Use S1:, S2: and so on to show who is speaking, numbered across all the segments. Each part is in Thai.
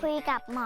S1: คุยกับหมอ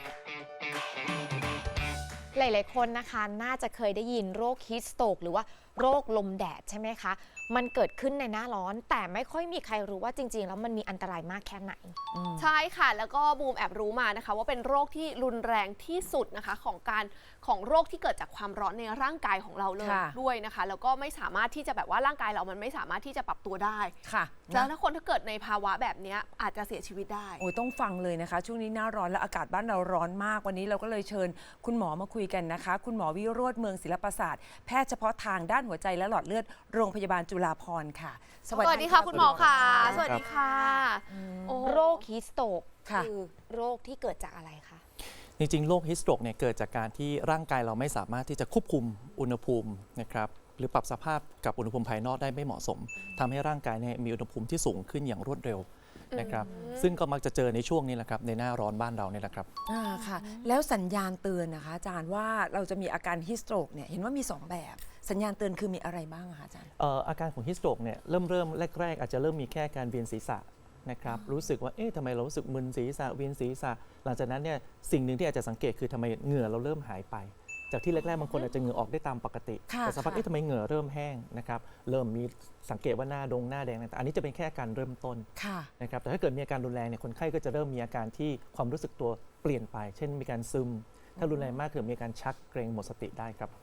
S2: หลายๆคนนะคะน่าจะเคยได้ยินโรคฮีทสโตรกหรือว่าโรคลมแดดใช่ไหมคะมันเกิดขึ้นในหน้าร้อนแต่ไม่ค่อยมีใครรู้ว่าจริงๆแล้วมันมีอันตรายมากแค่ไหน
S3: ใช่ค่ะแล้วก็บูมแอบรู้มานะคะว่าเป็นโรคที่รุนแรงที่สุดนะคะของโรคที่เกิดจากความร้อนในร่างกายของเราเลยด้วยนะคะแล้วก็ไม่สามารถที่จะแบบว่าร่างกายเรามันไม่สามารถที่จะปรับตัวได้
S4: ค่ะ
S3: แล้วถ้าเกิดในภาวะแบบนี้อาจจะเสียชีวิตได้
S4: โอ้ยต้องฟังเลยนะคะช่วงนี้หน้าร้อนและอากาศบ้านเราร้อนมากวันนี้เราก็เลยเชิญคุณหมอมาคุยกันนะคะคุณหมอวิโรจน์เมืองศิลปศาสตร์แพทย์เฉพาะทางด้านหัวใจและหลอดเลือดโรงพยาบาลจุฬาภรณ์ค่ะ
S3: สวัสดีค่ะคุณหมอค่ะสวัสดีค่ะ
S2: โรคฮีทสโตรกคือโรคที่เกิดจากอะไรคะ
S5: จริงๆโรคฮีทสโตรกเนี่ยเกิดจากการที่ร่างกายเราไม่สามารถที่จะควบคุมอุณหภูมินะครับหรือปรับสภาพกับอุณหภูมิภายนอกได้ไม่เหมาะสมทำให้ร่างกายเนี่ยมีอุณหภูมิที่สูงขึ้นอย่างรวดเร็วนะครับซึ่งก็มักจะเจอในช่วงนี้แหละครับในหน้าร้อนบ้านเราเนี่ยแหละครับ
S4: ค่ะแล้วสัญญาณเตือนนะคะอาจารย์ว่าเราจะมีอาการฮีทสโตรกเนี่ยเห็นว่ามี2แบบสัญญาณเตือนคือมีอะไรบ้างคะอาจารย์
S5: อาการของฮีทสโตรกเนี่ยเริ่มแรกๆอาจจะเริ่มมีแค่การเวียนศีรษะนะครับรู้สึกว่าทำไมเรารู้สึกมึนศีรษะเวียนศีรษะหลังจากนั้นเนี่ยสิ่งหนึ่งที่อาจจะสังเกตคือทำไมเหงื่อเราเริ่มหายไปจากที่แรกๆบางคนอาจจะเหงื่อออกได้ตามปกติแต่สักพักทำไมเหงื่อเริ่มแห้งนะครับเริ่มมีสังเกตว่าหน้าแดงต่างๆอันนี้จะเป็นแค่การเริ่มต้นนะครับแต่ถ้าเกิดมีอาการรุนแรงเนี่ยคนไข้ก็จะเริ่มมีอาการที่ความรู้สึกตัวเปลี่ยนไปเช่นมีการซึมถ้ารุนแรงมากคือมีอาการชักเกร็งหมดสติได้ครับ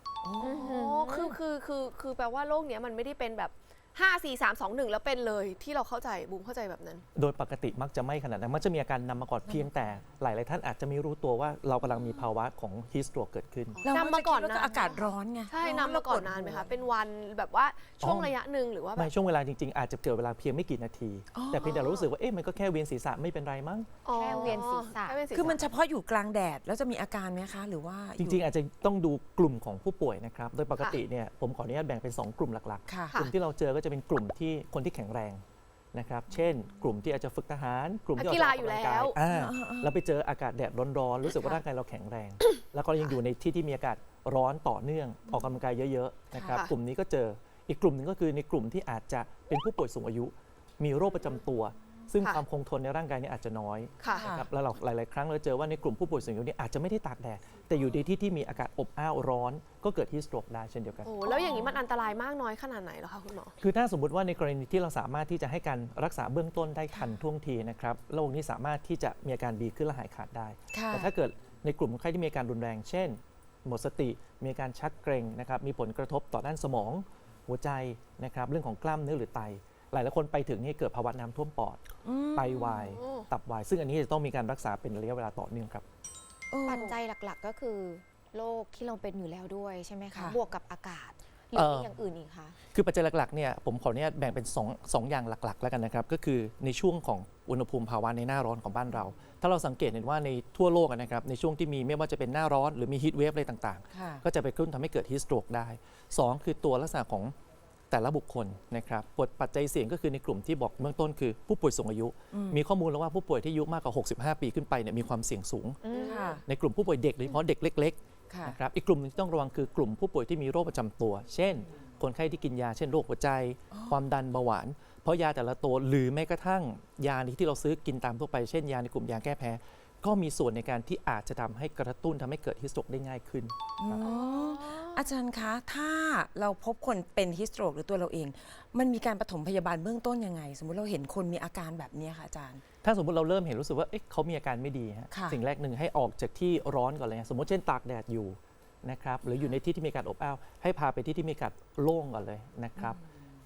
S3: คือแปลว่าโรคเนี้ยมันไม่ได้เป็นแบบ5 4 3 2 1แล้วเป็นเลยที่เราเข้าใจบูมเข้าใจแบบนั้น
S5: โดยปกติมักจะไม่ขนาดนั้นมักจะมีอาการนำมาก่อนเพียงแต่หลายๆท่านอาจจะไม่รู้ตัวว่าเรากำลังมีภาวะของฮีทสโตรกเกิดขึ้น
S4: นำมาก่อนนะอากาศร้อนไง
S3: ใช่นำมาก่อนนานไหมคะเป็นวันแบบว่าช่วงระยะหนึ่งหรือว่า
S5: ไม่ช่วงเวลาจริงๆอาจจะเกิดเวลาเพียงไม่กี่นาทีแต่เพียงแต่รู้สึกว่ามันก็แค่เวียนศีรษะไม่เป็นไรมั้ง
S2: แค่เวียนศีรษะ
S4: คือมันเฉพาะอยู่กลางแดดแล้วจะมีอาการไหมคะหรือว่า
S5: จริงๆอาจจะต้องดูกลุ่มของผู้ป่วยนะครับโดยปกติเนี่ยผมขออนุญาตแบ่งเป็น2กลุ่มหลักๆกลุ่มที่เราเจอก็จะเป็นกลุ่มที่คนที่แข็งแรงนะครับเช่นกลุ่มที่อาจจะฝึกทหารกลุ่มที่ออกกำลังกายแล้วไปเจออากาศแดดร้อนๆรู้สึกว่าร่างกายเราแข็งแรงแล้วก็ยังอยู่ในที่มีอากาศร้อนต่อเนื่องออกกำลังกายเยอะๆนะครับกลุ่มนี้ก็เจออีกกลุ่มหนึ่งก็คือในกลุ่มที่อาจจะเป็นผู้ป่วยสูงอายุมีโรคประจำตัวซึ่งความคงทนในร่างกายนี่อาจจะน้อยนะครับแล้วหลายๆครั้งเราเจอว่าในกลุ่มผู้ป่วยสูงอายุนี่อาจจะไม่ได้ตากแดดแต่อยู่ในที่มีอากาศอบอ้าวร้อนก็เกิดฮีทสโตรกได้เช่นเดียวกัน
S3: โอ้แล้วอย่างนี้มันอันตรายมากน้อยขนาดไหนเหรอคะคุณหมอ
S5: คือถ้าสมมติว่าในกรณีที่เราสามารถที่จะให้การรักษาเบื้องต้นได้ทันท่วงทีนะครับโรคนี้สามารถที่จะมีอาการดีขึ้นและหายขาดได้แต่ถ้าเกิดในกลุ่มคนไข้ที่มีอาการรุนแรงเช่นหมดสติมีอาการชักเกร็งนะครับมีผลกระทบต่อด้านสมองหัวใจนะครับเรื่องของกล้ามเนื้อหรือไตหลายคนไปถึงนี่เกิดภาวะน้ำท่วมปอดไตวายตับวายซึ่งอันนี้จะต้องมีการรักษาเป็นระยะเวลาต่อเนื่องครับ
S2: ปัจจัยหลักๆก็คือโรคที่เราเป็นอยู่แล้วด้วยใช่ไหมคะบวกกับอากาศหรือมีอย่างอื่นอีกคะ
S5: คือปัจจัยหลักๆเนี่ยผมขออนุญาตแบ่งเป็น2อย่างหลักๆแล้วกันนะครับก็คือในช่วงของอุณหภูมิภาวะในหน้าร้อนของบ้านเราถ้าเราสังเกตเห็นว่าในทั่วโลกนะครับในช่วงที่มีไม่ว่าจะเป็นหน้าร้อนหรือมีฮีทเวฟอะไรต่างๆก็จะไปกระตุ้นทำให้เกิดฮีทสโตรกได้2คือตัวลักษณะของแต่ละบุคคลนะครับปัจจัยเสี่ยงก็คือในกลุ่มที่บอกเบื้องต้นคือผู้ป่วยสูงอายุมีข้อมูลแล้วว่าผู้ป่วยที่อายุมากกว่า65 ปีขึ้นไปเนี่ยมีความเสี่ยงสูงในกลุ่มผู้ป่วยเด็กโดยเฉพาะเด็กเล็กๆนะครับอีกกลุ่มนึงที่ต้องระวังคือกลุ่มผู้ป่วยที่มีโรคประจำตัวเช่นคนไข้ที่กินยาเช่นโรคหัวใจความดันเบาหวานเพราะยาแต่ละตัวหรือแม้กระทั่งยาที่เราซื้อกินตามทั่วไปเช่นยาในกลุ่มยาแก้แพ้ก็มีส่วนในการที่อาจจะทำให้กระตุ้นทำให้เกิดฮีทสโตรกได้ง่ายขึ้น
S4: อาจารย์คะถ้าเราพบคนเป็นฮีทสโตรกหรือตัวเราเองมันมีการปฐมพยาบาลเบื้องต้นยังไงสมมุติเราเห็นคนมีอาการแบบนี้ค่ะอาจารย์
S5: ถ้าสมมติเราเริ่มเห็นรู้สึกว่าเขามีอาการไม่ดีสิ่งแรกหนึ่งให้ออกจากที่ร้อนก่อนเลยสมมติเช่นตากแดดอยู่นะครับหรืออยู่ในที่ที่มีการอบอ้าวให้พาไปที่ที่มีอากาศโล่งก่อนเลยนะครับ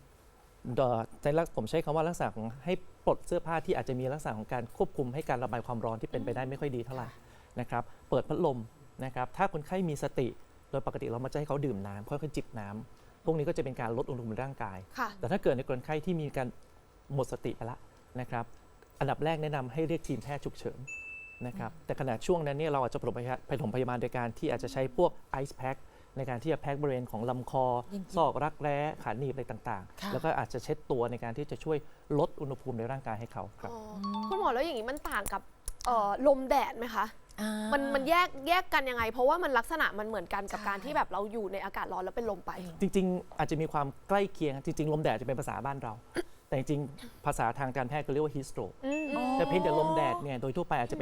S5: ผมใช้คำว่าลักษณะของให้ปลดเสื้อผ้าที่อาจจะมีลักษณะของการควบคุมให้การระบายความร้อนที่เป็นไปได้ไม่ค่อยดีเท่าไหร่นะครับเปิดพัดลมนะครับถ้าคนไข้มีสติโดยปกติเรามักจะให้เขาดื่มน้ำค่อยๆจิบน้ำพวกนี้ก็จะเป็นการลดอุณหภูมิร่างกายแต่ถ้าเกิดในคนไข้ที่มีการหมดสติไปแล้วนะครับอันดับแรกแนะนำให้เรียกทีมแพทย์ฉุกเฉินนะครับแต่ขณะช่วงนั้นเนี่ยเราอาจจะปฐมพยาบาลโดยการที่อาจจะใช้พวกไอซ์แพ็คในการที่จะแพ็คบริเวณของลำคอซอกรักแร้ขาหนีบอะไรต่างๆแล้วก็อาจจะเช็ดตัวในการที่จะช่วยลดอุณหภูมิในร่างกายให้เขาครับ
S3: คุณหมอแล้วอย่างนี้มันต่างกับลมแดดไหมคะมันแยกกันยังไงเพราะว่ามันลักษณะมันเหมือนกันกับการที่แบบเราอยู่ในอากาศร้อนแล้วเป็นลมไป
S5: จริงๆอาจจะมีความใกล้เคียงจริงๆลมแดดจะเป็นภาษาบ้านเราแต่จริงๆภาษาทางการแพทย์ก็เรียกว่าฮีทสโตรกแต่เพียงแต่ลมแดดเนี่ยโดยทั่วไปอาจจะเป็น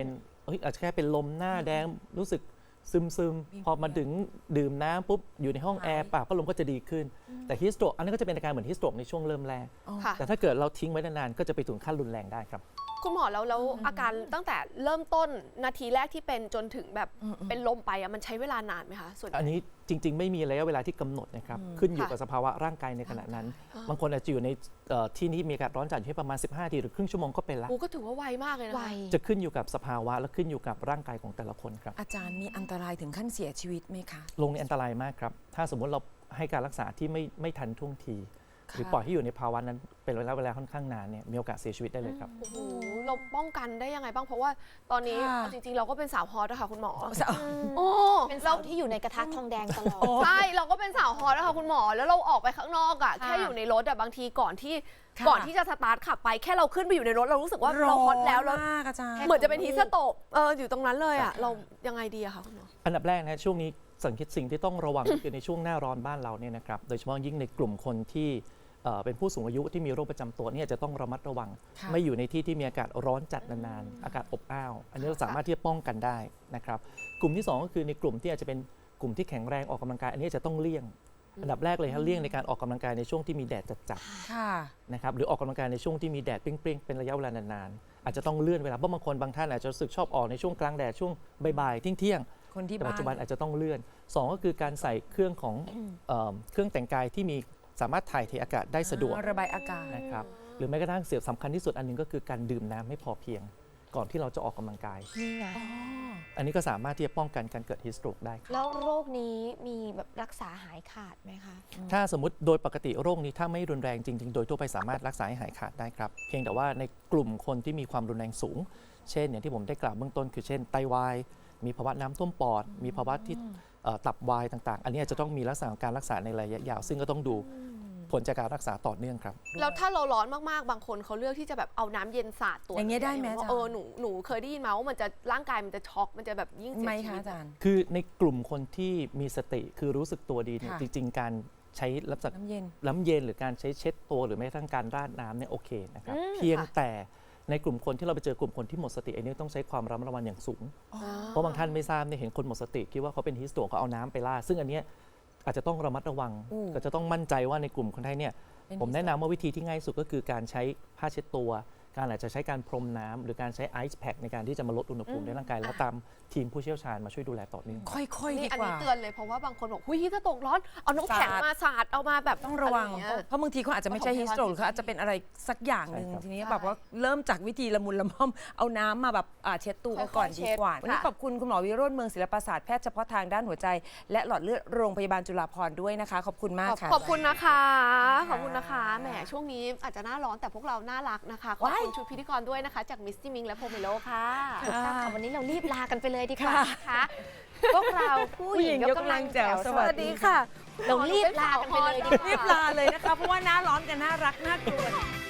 S5: อาจจะแค่เป็นลมหน้าแดงรู้สึกซึมๆพอมาถึงดื่มน้ำปุ๊บอยู่ในห้องแอร์ปากพัดลมก็จะดีขึ้น แต่ฮิสโตรกอันนี้ก็จะเป็นอาการเหมือนฮิสโตรกในช่วงเริ่มแรก
S3: ค่ะ
S5: แต่ถ้าเกิดเราทิ้งไว้นานๆก็จะไปถึงขั้นรุนแรงได้ครับ
S3: คุณหมอแล้วอาการตั้งแต่เริ่มต้นนาทีแรกที่เป็นจนถึงแบบเป็นลมไปมันใช้เวลานานไหมคะส่วนใหญ่
S5: อันนี้จริง ๆ ไม่มีระยะเวลาที่กำหนดนะครับขึ้นอยู่
S3: ค่ะ
S5: กับสภาวะร่างกายในขณะนั้น บางคนอาจจะอยู่ในที่นี้มีอากาศร้อนจัดอยู่ที่ประมาณ 15 นาทีหรือครึ่งชั่วโมงก็เป็นละ
S3: โอ้ก็ถือว่าไวมากเลยนะ
S2: ไว
S3: คะ
S5: จะขึ้นอยู่กับสภาวะและขึ้นอยู่กับร่างกายของแต่ละคนครับ
S4: อาจารย์มีอันตรายถึงขั้นเสียชีวิตไหมคะ
S5: ลงในอันตรายมากครับ ถ้าสมมติเราให้การรักษาที่ไม่ทันท่วงที
S4: ค่ะ
S5: หรือปล่อยให้อยู่ในภาวะนั้นเป็นระยะเวลาค่อนข้างนานเนี่ยมีโอกาสเสียชีวิตได้เลยครับ
S3: โอ้โหเราป้องกันได้ยังไงบ้างเพราะว่าตอนนี้
S4: ค่ะ
S3: จริงๆเราก็เป็นสาวฮอตนะคะคุณหมอ
S2: โอ้เป็นเสาที่อยู่ในกระทะทองแดงตลอด
S3: ใช่เราก็เป็นสาวฮอตนะคะคุณหมอแล้วเราออกไปข้างนอกอะ
S2: ค่ะ
S3: แค่อยู่ในรถอะบางทีก่อนที่
S4: ค่ะ
S3: ก่อนที่จะสตาร์ทขับไปแค่เราขึ้นไปอยู่ในรถเรารู้สึกว่าเราฮอตแล้วเรา
S4: มากอาจารย์
S3: เหมือนจะเป็นฮีสโตกอยู่ตรงนั้นเลยอะเรายังไงดีอะคะคุณหมอ
S5: อันดับแรกนะช่วงนี้สิ่งที่ต้องระวัง ก็คือในช่วงหน้าร้อนบ้านเราเนี่ยนะครับโดยเฉพาะยิ่งในกลุ่มคนที่เป็นผู้สูงอายุที่มีโรคประจำตัวเนี่ยจะต้องระมัดระวัง
S4: ค่ะ
S5: ไม่อยู่ในที่ที่มีอากาศร้อนจัดนานๆอากาศอบอ้าว อันนี้เราสามารถที่จะป้องกันได้นะครับกลุ่มที่สองก็คือในกลุ่มที่อาจจะเป็นกลุ่มที่แข็งแรงออกกำลังกายอันนี้จะต้องเลี่ยง อันดับแรกเลยครับเลี่ยงในการออกกำลังกายในช่วงที่มีแดดจัด
S4: ค่ะ
S5: ๆนะครับหรือออกกำลังกายในช่วงที่มีแดดเปรี้ยงๆเป็นระยะเวลานานๆอาจจะต้องเลื่อนเวลาเพราะบางคนบางท่านอาจจะรู้สึกชอบออกในช่วงกลางแดดช่วงบ่ายๆเที่ยงๆ
S4: คนที่
S5: แต่
S4: บ้า
S5: ปัจจุบัน
S4: น
S5: อาจจะต้องเลื่อน 2 ก็คือการใส่เครื่องของเครื่องแต่งกายที่มีสามารถถ่ายเทอากาศได้สะดวก
S4: ระบายอากาศ
S5: นะครับหรือแม้กระทั่งเสียสำคัญที่สุดอันหนึงก็คือการดื่มน้ำให้พอเพียง ก่อนที่เราจะออกกำลังกาย
S2: นี่ไง
S5: อันนี้ก็สามารถที่จะป้องกันการเกิดฮิสโตรกได้ครับ
S2: แล้วโรคนี้มีแบบรักษาหายขาดไหมคะ
S5: ถ้าสมมติโดยปกติโรคนี้ถ้าไม่รุนแรงจริง ๆ โดยทั่วไปสามารถรักษาให้หายขาดได้ครับ เพียงแต่ว่าในกลุ่มคนที่มีความรุนแรงสูง เช่นอย่างที่ผมได้กล่าวเบื้องต้นคือเช่นไตวาย มีภาวะน้ำท่วมปอด มีภาวะที่ตับวายต่างๆ อันนี้อาจจะต้องมีลักษณะของการรักษาในระยะยาว ซึ่งก็ต้องดูผลจากการรักษาต่อเนื่องครับ
S3: แล้วถ้าเราร้อนมากๆ บางคนเขาเลือกที่จะแบบเอาน้ำเย็นสาดตัว
S4: อย่างเงี้ยได้ไหมอาจารย์
S3: หนูเคยได้ยินมาว่ามันจะร่างกายมันจะช็อกมันจะแบบยิ่งเสี
S4: ไหม
S3: ยชี
S4: คะ
S3: วิต
S4: อาจารย์
S5: คือในกลุ่มคนที่มีสติคือรู้สึกตัวดีเนี่ย
S4: ค่ะ
S5: จริง ๆ การใช้ลักษณะ
S4: น้ำเย็น
S5: น้ำเย็นหรือการใช้เช็ดตัวหรือแม้กระทั่งการราดน้ำเนี่ยโอเคนะครับ
S3: อืม
S5: เพียง
S3: ค่ะ
S5: แต่ในกลุ่มคนที่เราไปเจอกลุ่มคนที่หมดสติอันนี้ต้องใช้ความระมัดระวังอย่างสูง เพราะบางท่านไม่ทราบเนี่ยเห็นคนหมดสติคิดว่าเขาเป็นฮิสโตรกก็เอาน้ำไปราดซึ่งอันเนี้ยอาจจะต้องระมัดระวัง
S4: อู้
S5: ก็จะต้องมั่นใจว่าในกลุ่มคนไทยเนี่ย
S4: เป็น
S5: ผมแนะนำว่าวิธีที่ง่ายสุดก็คือการใช้ผ้าเช็ดตัว การอาจจะใช้การพรมน้ำหรือการใช้ไอซ์แพ็คในการที่จะมาลดอุณหภูมิในร่างกายแล้วตามทีมผู้เชี่ยวชาญมาช่วยดูแลต่อเนื่อง
S4: ค่อยๆดี
S3: นี่อัน
S4: กว่า
S3: นี้เตือนเลยเพราะว่าบางคนบอกหุยฮีสโตกร้อนเอาน้ำแข็ง
S4: สาด
S3: มาสาดเอามาแบบ
S4: ต้องระวัง
S3: อไอย่าเย
S4: เพราะบางทีเขาอาจจะไม่ใช่
S3: ของ
S4: ฮิสโตรกหรือเขาอาจจะเป็นอะไรสักอย่างหนึ่ง
S5: ใช่ครับ
S4: ทีนี้
S3: ใช่
S4: แบบว่าเริ่มจากวิธีละมุนละม่อมเอาน้ำมาแบบเช็ดตัวก่อน
S3: ค่อยๆ
S4: ดีกว่า
S3: เช็ด
S4: วันนี้
S3: ค่ะ
S4: ขอบคุณคุณหมอวิโรจน์เมืองศิลปศาสตร์แพทย์เฉพาะทางด้านหัวใจ และหลอดเลือดโรงพยาบาลจุฬาภรณ์ด้วยนะคะ ขอบคุณมากค่ะ
S3: ขอบคุณนะคะ ขอบคุณนะคะ
S4: ค่ะ
S3: แหมช่วงนี้อาจจะหน้าร้อนแต่พวกเราน่ารักนะคะขอบ
S4: ว้าย
S3: คุณชุดพิธีกรด้วยนะคะ จากมิสซี่มิงและโพเมโลค่ะ
S2: ถูกต้องค่ะวันนี้เรารีบลากันไปเลยดีกว่า
S4: ค่ะ
S2: นะคะพวกเราผู้หญิงยกกำลังแจ๋ว
S4: สวัสดี
S3: ค่ะ
S2: เรารีบลากันไปเลยดีกว่า
S4: รีบลาเลยนะคะ เพราะว่าหน้าร้อนกันน่ารักน่ากลัว